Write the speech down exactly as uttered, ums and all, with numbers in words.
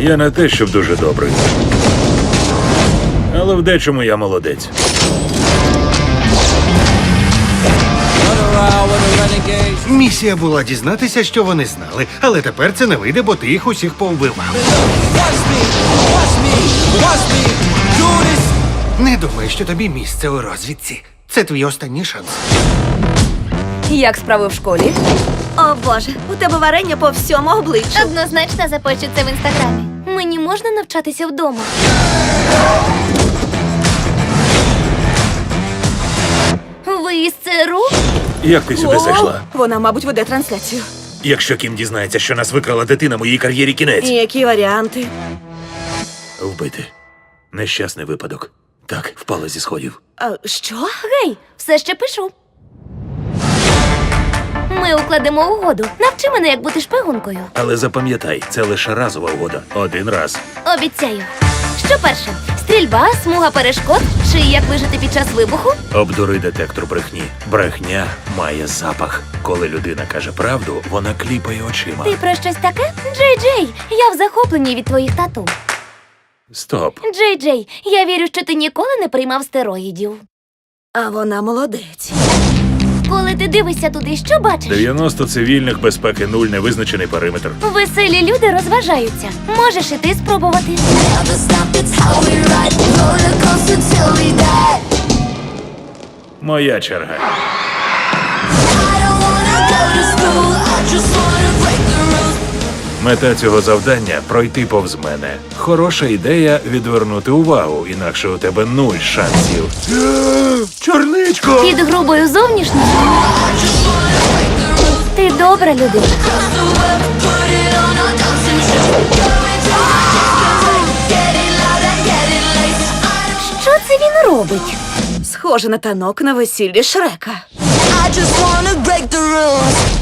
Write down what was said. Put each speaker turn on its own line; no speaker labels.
Я не те, щоб дуже добрий. Але в дечому я молодець.
Місія була дізнатися, що вони знали, але тепер це не вийде, бо ти їх усіх повбивав. Не думай, що тобі місце у розвідці. Це твій останній шанс.
Як справи в школі?
О боже, у тебе варення по всьому обличчю.
Однозначно запощу це в інстаграмі. Мені можна навчатися вдома. Ви із ЦРУ?
Як ти сюди
О,
зайшла?
Вона, мабуть, веде трансляцію.
Якщо Кім дізнається, що нас викрала дитина, моїй кар'єрі кінець.
І які варіанти?
Вбити. Нещасний випадок. Так, впала зі сходів.
А, що?
Гей, все ще пишу. Ми укладемо угоду. Навчи мене, як бути шпигункою.
Але запам'ятай, це лише разова угода. Один раз.
Обіцяю. Що перше? Стрільба, смуга перешкод чи як вижити під час вибуху?
Обдури детектор брехні. Брехня має запах. Коли людина каже правду, вона кліпає очима.
Ти про щось таке? Джей Джей, я в захопленні від твоїх тату.
Стоп.
Джей Джей, я вірю, що ти ніколи не приймав стероїдів.
А вона молодець.
Коли ти дивишся туди, що бачиш?
дев'яносто цивільних, безпеки нуль, невизначений периметр.
Веселі люди розважаються. Можеш і ти спробувати.
Моя черга. Мета цього завдання – пройти повз мене. Хороша ідея – відвернути увагу, інакше у тебе нуль шансів. Чорничко!
Під грубою зовнішністю ти добра людина. Що це він робить?
Схоже на танок на весіллі Шрека.
I just wanna break the rules.